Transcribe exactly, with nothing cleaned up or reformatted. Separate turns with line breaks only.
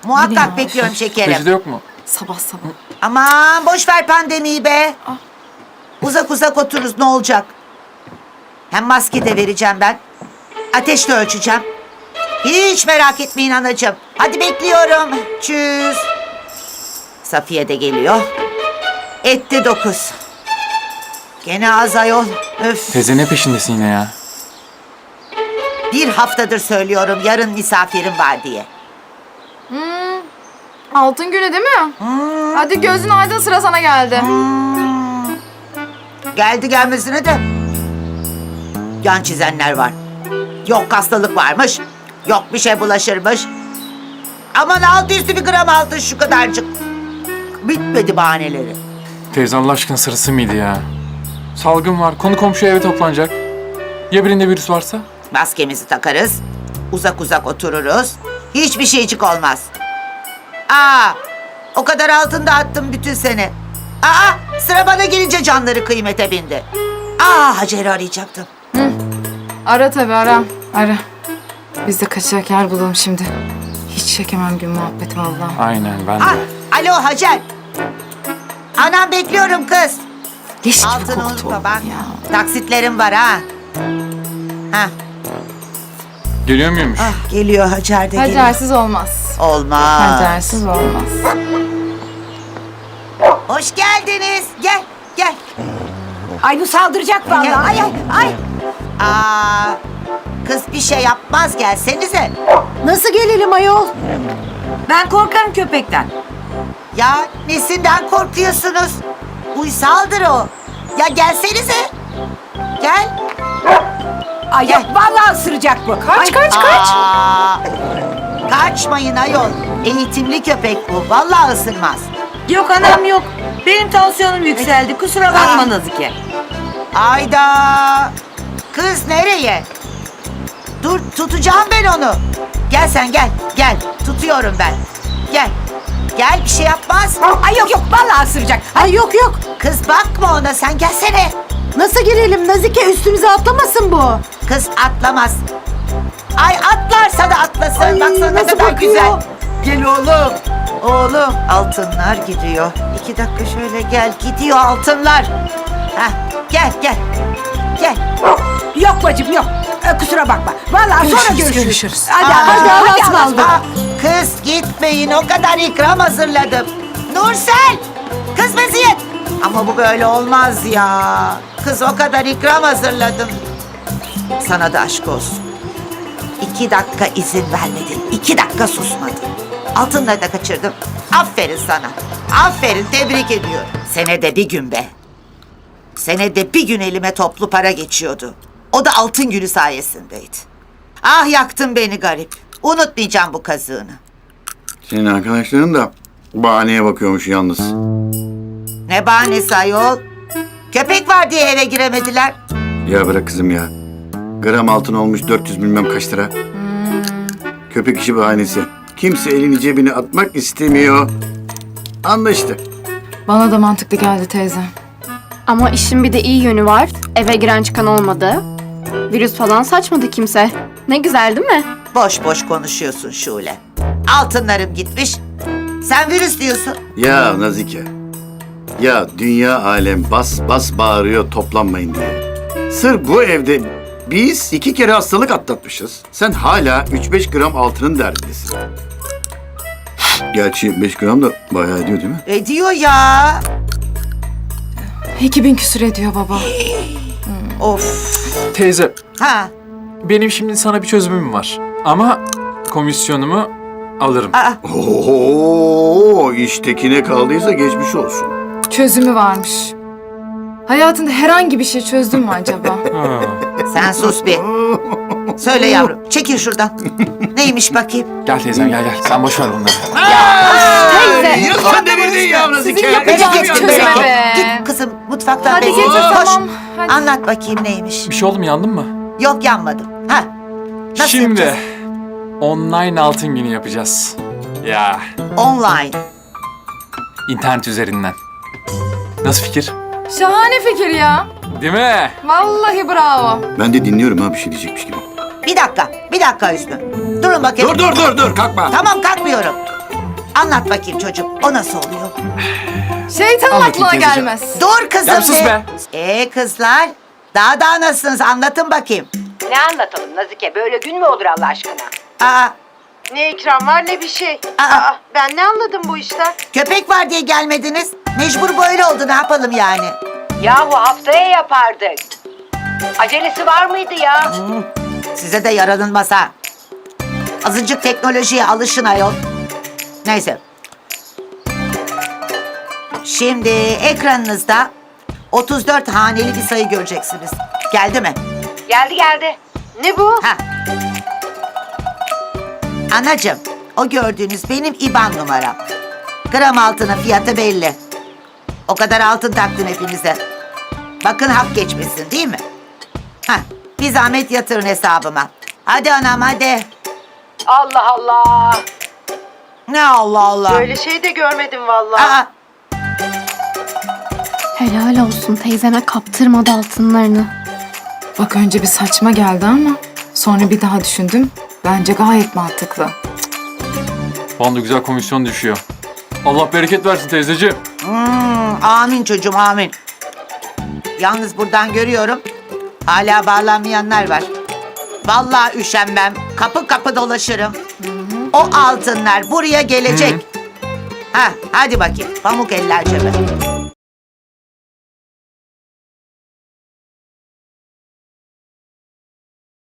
Muhakkak
ya?
bekliyorum şekerim.
Reçete yok mu?
Sabah sabah.
Aman boş ver pandemiyi be. Uzak uzak otururuz ne olacak? Hem maske de vereceğim ben. Ateş de ölçeceğim. Hiç merak etmeyin anacığım. Hadi bekliyorum. Çüz. Safiye de geliyor. Etti dokuz. Gene az ayol. Öf.
Teyze ne peşindesin yine ya?
Bir haftadır söylüyorum yarın misafirim var diye.
Altın günü değil mi? Hadi gözün aydın, sıra sana geldi.
Geldi gelmesine de yan çizenler var. Yok hastalık varmış. Yok bir şey bulaşırmış. Aman altı üstü bir gram altın şu kadarcık. Bitmedi bahaneleri.
Teyze Allah aşkına sırası mıydı ya? Salgın var, konu komşu eve toplanacak. Ya birinde virüs varsa?
Maskemizi takarız. Uzak uzak otururuz. Hiçbir şeycik olmaz. Aa, o kadar altın dağıttım bütün sene. Aa, sıra bana gelince canları kıymete bindi. Aa, Hacer'i arayacaktım.
Ara tabii, ara. Ara. Biz de kaçacak yer bulalım şimdi. Hiç çekemem gün muhabbeti vallahi.
Aynen ben de.
Ah, alo Hacer. Anam bekliyorum kız.
Leş gibi
Altını
koktu
unutma
oğlum
bak.
ya.
Taksitlerim var ha. Ha,
Geliyor muymuş?
ah, geliyor Hacer de geliyor.
Hacersiz olmaz.
Olmaz.
Hacersiz olmaz.
Hoş geldiniz. Gel, gel.
Ay bu saldıracak vallahi. Ay ay ay.
Aa, kız bir şey yapmaz gelsenize.
Nasıl gelelim ayol? Ben korkarım köpekten.
Ya nesinden korkuyorsunuz? Uysaldır o. Ya gelsenize. Gel.
Ay yok vallahi ısıracak bu.
Kaç kaç kaç.
Aa, kaçmayın ayol. Eğitimli köpek bu. Vallahi ısırmaz.
Yok anam yok. Benim tansiyonum yükseldi. Kusura
Aa.
bakma Nazike.
Ayda. Kız nereye? Dur tutacağım ben onu. Gel sen gel. Gel. Tutuyorum ben. Gel. Gel bir şey yapmaz.
Ay yok yok vallahi ısıracak. Ay yok yok.
Kız bakma ona sen gelsene.
Nasıl girelim Nazike, üstümüze atlamasın bu.
Kız atlamaz. Ay atlarsa da atlasın.
Ay,
Baksana ne
nasıl
kadar
bakıyor?
güzel. Gel oğlum. Oğlum altınlar gidiyor. İki dakika şöyle gel. Gidiyor altınlar. Heh, gel gel. Gel.
Yok bacım yok. Ee, kusura bakma. Vallahi sonra
Görüşürüz,
görüşürüz.
görüşürüz.
Hadi
Aa,
hadi hadi,
hadi
hadi,
Allah'ım. Aa, kız gitmeyin o kadar ikram hazırladım. Nursel. Kız meziyet. Ama bu böyle olmaz ya. Kız o kadar ikram hazırladım. Sana da aşk olsun. İki dakika izin vermedin. İki dakika susmadın. Altınları da kaçırdım. Aferin sana. Aferin tebrik ediyorum. Senede bir gün be. Senede bir gün elime toplu para geçiyordu. O da altın günü sayesindeydi. Ah yaktın beni garip. Unutmayacağım bu kazığını.
Senin arkadaşların da bahaneye bakıyormuş yalnız.
Ne bahanesi ayol? Köpek var diye eve giremediler.
Ya bırak kızım ya. Gram altın olmuş dört yüz bilmem kaç lira. Köpek işi bahanesi. Kimse elini cebine atmak istemiyor. Anlaştık.
Bana da mantıklı geldi teyze.
Ama işin bir de iyi yönü var. Eve giren çıkan olmadı. Virüs falan saçmadı kimse. Ne güzel değil mi?
Boş boş konuşuyorsun Şule. Altınlarım gitmiş. Sen virüs diyorsun.
Ya Nazike. Ya dünya alem bas bas bağırıyor toplanmayın diye. Sırf bu evde biz iki kere hastalık atlatmışız. Sen hala üç beş gram altının derdindesin. Gerçi beş gram da bayağı ediyor değil mi?
Ediyor ya.
iki bin küsür ediyor baba.
Of.
Teyze,
Ha.
benim şimdi sana bir çözümüm var. Ama komisyonumu alırım.
Aa,
Oo, iştekine kaldıysa geçmiş olsun.
Çözümü varmış. Hayatında herhangi bir şey çözdün mü acaba?
Ha.
sen sus bir. Söyle yavrum. Çekil şuradan. Neymiş bakayım?
Gel teyzem gel gel. Sen boş ver bunları.
Teyze.
Yine sen devirdin ya Nazike.
Sizin yapacağınız
Bereket,
çözüme
bereket.
be.
Git kızım mutfaktan
Hadi
bereket.
getir,
Koş.
tamam. Hadi.
Anlat bakayım neymiş.
Bir şey oldu mu, yandın mı?
Yok yanmadım. Ha. Nasıl
Şimdi
yapacağız?
online altın günü yapacağız. Ya
Online.
internet üzerinden. Nasıl fikir?
Şahane fikir ya.
Değil mi?
Vallahi bravo.
Ben de dinliyorum ha bir şey diyecekmiş gibi.
Bir dakika. Bir dakika Hüsnü. Durun bakayım.
Dur dur dur dur kalkma.
Tamam kalkmıyorum. Anlat bakayım çocuğum. O nasıl oluyor?
Şeytanın
Anlatayım
aklına
teyzeciğim.
gelmez.
Dur kızım
Ya sus be.
Ee kızlar. Daha daha nasılsınız? Anlatın bakayım.
Ne anlatalım Nazike? Böyle gün mü olur Allah aşkına?
Aa,
Ne ikram var ne bir şey.
Aa.
Aa, ben ne anladım bu işten?
köpek var diye gelmediniz. Mecbur böyle oldu. Ne yapalım yani?
Yahu haftaya yapardık. Acelesi var mıydı ya?
Size de yaranılmaz ha. Azıcık teknolojiye alışın ayol. Neyse. Şimdi ekranınızda otuz dört haneli bir sayı göreceksiniz. Geldi mi?
Geldi geldi. Ne bu?
Ha. Anacığım, o gördüğünüz benim İban numaram. Gram altının fiyatı belli. O kadar altın taktım hepinize. Bakın hak geçmesin değil mi? Hah, bir zahmet yatırın hesabıma. Hadi anam hadi.
Allah Allah.
Ne Allah Allah.
Böyle şey de görmedim vallahi.
Aa,
Helal olsun teyzeme kaptırmadı altınlarını.
Bak önce bir saçma geldi ama sonra bir daha düşündüm. Bence gayet mantıklı.
Bana da güzel komisyon düşüyor. Allah bereket versin teyzeciğim.
hmm, amin çocuğum amin. Yalnız buradan görüyorum. Hala bağlanmayanlar var. Vallahi üşenmem. Kapı kapı dolaşırım. O altınlar buraya gelecek. Ha, hadi bakayım. Pamuk eller cebe.